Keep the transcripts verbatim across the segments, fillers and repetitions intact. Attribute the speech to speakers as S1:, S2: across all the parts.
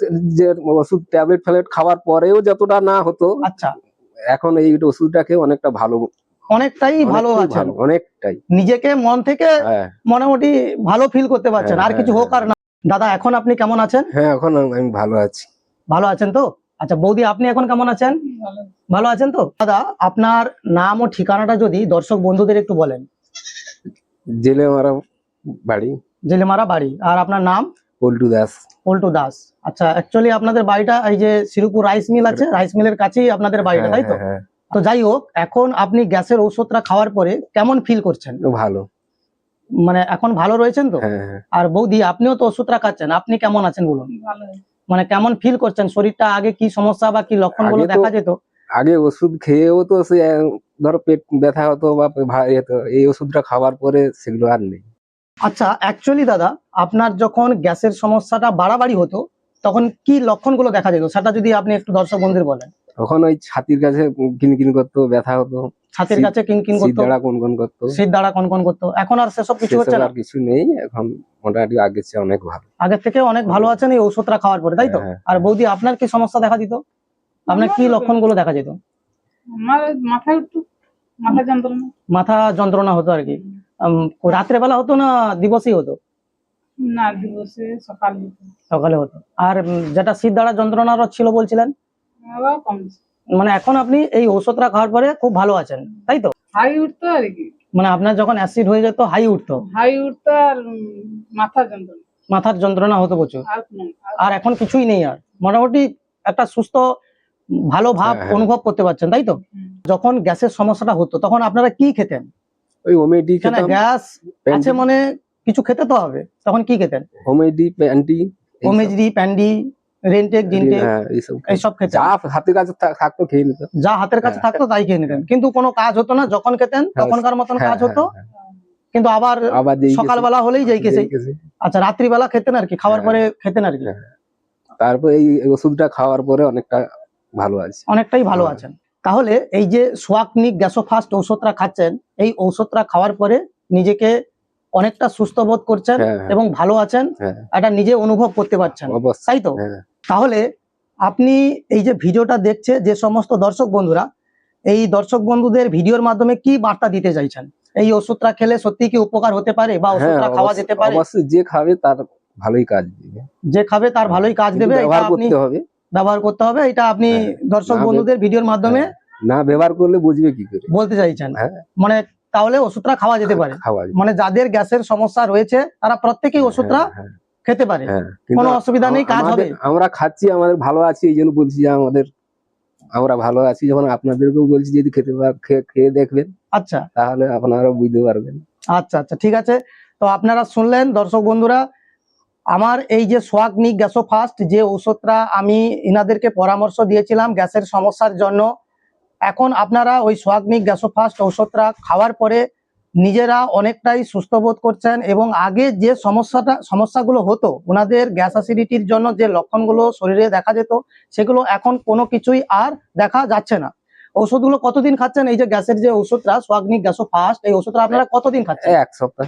S1: যে ওষুধ tablet phablet খাওয়ার পরেও যতটা না হতো,
S2: আচ্ছা,
S1: এখন এই ওষুধটা খেয়ে অনেকটা ভালো,
S2: অনেকটাই ভালো
S1: অনেকটাই
S2: আছেন,
S1: ভালো, অনেকটাই
S2: নিজেকে মন থেকে
S1: হ্যাঁ
S2: মোটামুটি ভালো ফিল করতে পারছেন।
S1: হ্যাঁ
S2: আর কিছু
S1: হ্যাঁ
S2: হোক আর না। দাদা এখন আপনি কেমন আছেন?
S1: হ্যাঁ এখন আমি আমি ভালো আছি।
S2: ভালো আছেন তো? আচ্ছা বৌদি আপনি এখন কেমন আছেন? ভালো আছেন তো? দাদা আপনার নাম ও ঠিকানাটা যদি দর্শক বন্ধুদের একটু বলেন।
S1: জেলে মারা বাড়ি,
S2: জেলেমারা বাড়ি। আর আপনার নাম?
S1: পল্টু দাস।
S2: পল্টু দাস। আচ্ছা অ্যাকচুয়ালি আপনাদের বাড়িটা এই যে শিরুপুর রাইস মিল আছে, রাইস মিলের কাছেই আপনাদের বাড়িটা,
S1: হ্যাঁ
S2: তাই তো?
S1: হ্যাঁ হ্যাঁ
S2: তো যাই হোক, এখন আপনি গ্যাসের ঔষধটা খাওয়ার পরে কেমন ফিল করছেন?
S1: ভালো।
S2: মানে এখন ভালো রয়েছেন তো?
S1: হ্যাঁ হ্যাঁ
S2: আর বৌদি আপনিও তো ওষুধটা খাচ্ছেন, আপনি কেমন আছেন বলুন? মানে কেমন ফিল করছেন? শরীরটা আগে কি সমস্যা বা কি লক্ষণগুলো
S1: আগে তো
S2: দেখা যেত?
S1: আগে ওষুধ খেয়েও তো সে আহ, ধরো পেট ব্যথা হতো বা ভারী হতো, এই ওষুধটা খাওয়ার পরে সেগুলো আর নেই।
S2: আচ্ছা অ্যাকচুয়ালি দাদা আপনার যখন গ্যাসের সমস্যাটা বাড়াবাড়ি হতো তখন কি লক্ষণগুলো দেখা যেত সেটা যদি আপনি একটু দর্শক বন্ধুদের বলেন।
S1: তখন ওই ছাতির কাছে কিনকিন করতো, ব্যথা হতো,
S2: ছাতির
S1: শীত-
S2: কাছে কিনকিন
S1: শীত
S2: করতো,
S1: দ্বারা কনকন করতো।
S2: শীত দ্বারা কনকন করতো। এখন আর সেসব কিছু হচ্ছে
S1: সেসব
S2: না?
S1: আর কিছু নেই, এখন মোটামুটি আগের চেয়ে অনেক ভালো।
S2: আগের থেকে অনেক ভালো আছেন এই ওষুধটা খাওয়ার পরে, তাই তো?
S1: হ্যাঁ,
S2: আর বৌদি আপনার কি সমস্যা দেখা দিত? আপনার কি লক্ষণগুলো দেখা যেত?
S3: আমার মাথা একটু মাথা যন্ত্রণা।
S2: মাথা যন্ত্রণা হতো আর কি। উম, রাত্রে বেলা হতো না দিবসই হতো?
S3: না দিবসে সকাল হতো,
S2: সকালে হতো। আর উম, যেটা শীত দ্বারা যন্ত্রণারও ছিল বলছিলেন,
S3: আবার কমছে।
S2: মানে এখন আপনি এই ওষুধটা খাওয়ার পরে খুব ভালো আছেন, তাই তো?
S3: হাই উঠতো আর কি,
S2: মানে আপনার যখন অ্যাসিড হয়ে যেত হাই উঠতো,
S3: হাই উঠতো আর উম, মাথা যন্ত্রণা
S2: মাথার যন্ত্রণা হতো প্রচুর।
S3: আর কোনো আর
S2: আর এখন কিছুই নেই, আর মোটামুটি একটা সুস্থ ভালো ভাব
S1: হ্যাঁ, হ্যাঁ।
S2: অনুভব করতে পারছেন, তাই তো?
S3: হুম।
S2: যখন গ্যাসের সমস্যাটা হতো তখন আপনারা কি খেতেন?
S1: ওই হোমেডি
S2: কেন
S1: খেতাম,
S2: গ্যাস আছে মানে কিছু খেতে তো হবে, তখন কি খেতেন?
S1: হোমেডি প্যান্টি,
S2: ওমেজডি, প্যান্ডি, রেনটেক, জিনটেক
S1: হ্যাঁ এইসব খেতাম।
S2: এইসব খেতেন?
S1: যা হাতের কাছে থা- থাকতো খেয়ে নিতাম।
S2: যা হাতের কাছে
S1: হ্যাঁ।
S2: থাকতো তাই খেয়ে নিতেন, কিন্তু কোনো কাজ হতো না। যখন খেতেন
S1: হ্যাঁ,
S2: তখনকার মতন
S1: হ্যাঁ,
S2: কাজ হতো,
S1: হ্যাঁ, হ্যাঁ।
S2: কিন্তু আবার
S1: আবার যেই
S2: সকালবেলা হলেই যাই কেসে।
S1: গেছে।
S2: আচ্ছা রাত্রিবেলা খেতেন আর কি, খাওয়ার
S1: হ্যাঁ।
S2: পরে খেতেন আর কি।
S1: হ্যাঁ। তারপর এই এই ওষুধটা খাওয়ার পরে অনেকটা ভালো আছে।
S2: অনেকটাই ভালো
S1: হ্যাঁ।
S2: আছেন। তাহলে এই যে সোয়াকনিক গ্যাসোফাস্ট ঔষধটা খাচ্ছেন, এই ঔষধটা খাওয়ার পরে নিজেকে অনেকটা সুস্থ বোধ করছেন
S1: হ্যাঁ, হ্যাঁ।
S2: এবং ভালো আছেন,
S1: হ্যাঁ
S2: এটা নিজে অনুভব করতে পারছেন,
S1: অবশ্যই।
S2: তাই তো?
S1: হ্যাঁ
S2: তাহলে আপনি এই যে ভিডিওটা দেখছে যে সমস্ত দর্শক বন্ধুরা, এই দর্শক বন্ধুদের ভিডিওর মাধ্যমে কি বার্তা দিতে চাইছেন? এই ওষুধটা খেলে সত্যি কি উপকার হতে পারে বা
S1: হ্যাঁ
S2: ওষুধটা খাওয়া
S1: অবশ্যই-
S2: যেতে পারে?
S1: অবশ্যই যে খাবে তার ভালোই কাজ দিবে।
S2: যে খাবে তার ভালোই কাজ
S1: কিন্তু
S2: দেবে, এটা
S1: ব্যবহার
S2: আপনি
S1: করতে হবে।
S2: ব্যবহার করতে হবে, এটা আপনি
S1: হ্যাঁ।
S2: দর্শক
S1: না বে-
S2: বন্ধুদের ভিডিওর মাধ্যমে
S1: হ্যাঁ, না ব্যবহার করলে বুঝবে কি করে?
S2: বলতে চাইছেন।
S1: হ্যাঁ
S2: মানে তাহলে ওষুধটা খাওয়া যেতে পারে,
S1: খাওয়া যায়।
S2: মানে যাদের গ্যাসের সমস্যা রয়েছে তারা প্রত্যেকেই ওষুধটা
S1: হ্যাঁ, হ্যাঁ,
S2: খেতে পারে,
S1: হ্যাঁ। কিন্তু
S2: কোনো অসুবিধা নেই, কাজ হবে।
S1: আমাদের- আমরা খাচ্ছি, আমাদের ভালো আছি, এই জন্য বলছি যে আমাদের আমরা ভালো আছি। যখন আপনাদেরকেও বলছি যদি খেতে পা- খেয়ে খেয়ে দেখবেন
S2: আচ্ছা
S1: তাহলে আপনারা বুঝতে পারবেন।
S2: আচ্ছা আচ্ছা ঠিক আছে। তো আপনারা শুনলেন দর্শক বন্ধুরা, আমার এই যে সোয়াকনিক গ্যাসোফাস্ট যে ঔষধটা আমি ইনাদেরকে পরামর্শ দিয়েছিলাম গ্যাসের সমস্যার জন্য, এখন আপনারা ওই সোয়াকনিক গ্যাসোফাস্ট ঔষধটা খাওয়ার পরে নিজেরা অনেকটাই সুস্থ বোধ করছেন এবং আগে যে সমস্যাটা সমস্যাগুলো হতো ওনাদের গ্যাস অ্যাসিডিটির জন্য, যে লক্ষণগুলো শরীরে দেখা যেত, সেগুলো এখন কোনো কিছুই আর দেখা যাচ্ছে না। ওষুধগুলো কতদিন খাচ্ছেন? এই যে গ্যাসের যে ওষুধটা সোয়াকনিক গ্যাসোফাস্ট, এই ওষুধটা আপনারা কতদিন খাচ্ছেন?
S1: এক সপ্তাহ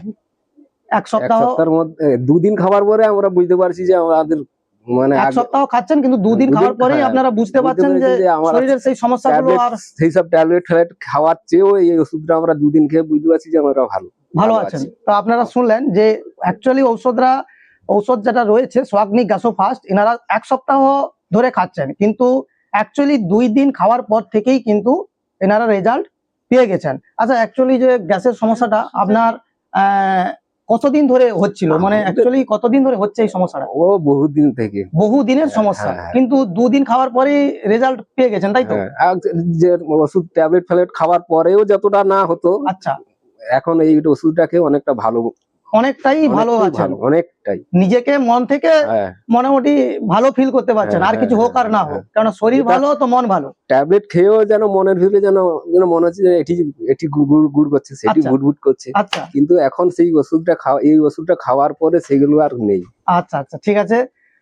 S2: এক
S1: এক
S2: সপ্তাহ।
S1: সপ্তাহের মধ্যে দুদিন খাবার পরে আমরা বুঝতে পারছি যে আমাদের মানে
S2: এক
S1: আগে-
S2: সপ্তাহ খাচ্ছেন কিন্তু দুদিন
S1: দুদিন
S2: খাওয়ার পরেই
S1: খা-
S2: আপনারা বুঝতে
S1: বুঝতে
S2: পারছেন যে
S1: পেরেছি যে আমার
S2: শরীরের সেই সমস্যাগুলো
S1: ট্যাবলেট,
S2: আর
S1: সেই সব ট্যাবলেট ফ্যাবলেট খাওয়ার চেয়েও এই ওষুধটা আমরা দুদিন খেয়ে বুঝতে পারছি যে আমরা ভালো
S2: ভালো আছেন। তো আপনারা শুনলেন যে অ্যাকচুয়ালি ঔষধরা ঔষধ যেটা রয়েছে সোয়াকনিক গ্যাসোফাস্ট, এনারা এক সপ্তাহ ধরে খাচ্ছেন, কিন্তু অ্যাকচুয়ালি দুই দিন খাওয়ার পর থেকেই কিন্তু এনারা রেজাল্ট পেয়ে গেছেন। আচ্ছা অ্যাকচুয়ালি যে গ্যাসের সমস্যাটা আপনার আহ, কতদিন ধরে হচ্ছিল, মানে অ্যাকচুয়ালি কতদিন ধরে হচ্ছে এই সমস্যাটা?
S1: ও বহুত দিন থেকে।
S2: বহু দিনের সমস্যা,
S1: হ্যাঁ, হ্যাঁ।
S2: কিন্তু দুদিন খাওয়ার পরেই রেজাল্ট পেয়ে গেছেন, তাই তো?
S1: হ্যাঁ, আর যে ওষুধ ট্যাবলেট ফ্যাবলেট খাওয়ার পরেও যতটা না হতো,
S2: আচ্ছা
S1: এখন এই ওষুধটা খেয়ে অনেকটা ভালো,
S2: অনেকটাই ভালো
S1: অনেকটাই
S2: আছেন,
S1: ভালো, অনেকটাই।
S2: নিজেকে মন থেকে
S1: হ্যাঁ
S2: মোটামুটি ভালো ফিল করতে পারছেন।
S1: হ্যাঁ,
S2: আর কিছু হোক আর না
S1: হ্যাঁ,
S2: হোক, কারণ শরীর
S1: এটা-
S2: ভালো তো মন ভালো।
S1: ট্যাবলেট খেয়েও যেন মনের ভিতরে যেন যেন মনে হচ্ছে যে এটি এটি গুড় গুড় করছে, সেটি
S2: আচ্ছা।
S1: গুড় গুড় করছে,
S2: আচ্ছা
S1: কিন্তু এখন সেই ওষুধটা খাওয়া এই ওষুধটা খাওয়ার পরে সেগুলো আর নেই।
S2: আচ্ছা আচ্ছা ঠিক আছে।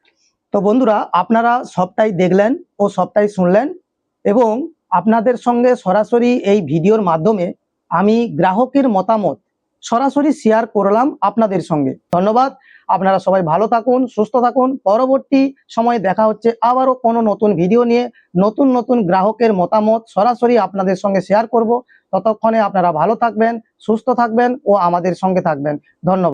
S2: তো বন্ধুরা আপনারা সবটাই দেখলেন ও সবটাই শুনলেন, এবং আপনাদের সঙ্গে সরাসরি এই ভিডিওর মাধ্যমে আমি গ্রাহকের মতামত সরাসরি শেয়ার করলাম আপনাদের সঙ্গে। ধন্যবাদ। আপনারা সবাই ভালো থাকুন, সুস্থ থাকুন। পরবর্তী সময়ে দেখা হচ্ছে আবারও কোনো নতুন ভিডিও নিয়ে, নতুন নতুন গ্রাহকের মতামত সরাসরি আপনাদের সঙ্গে শেয়ার করব। ততক্ষণে আপনারা ভালো থাকবেন, সুস্থ থাকবেন ও আমাদের সঙ্গে থাকবেন। ধন্যবাদ।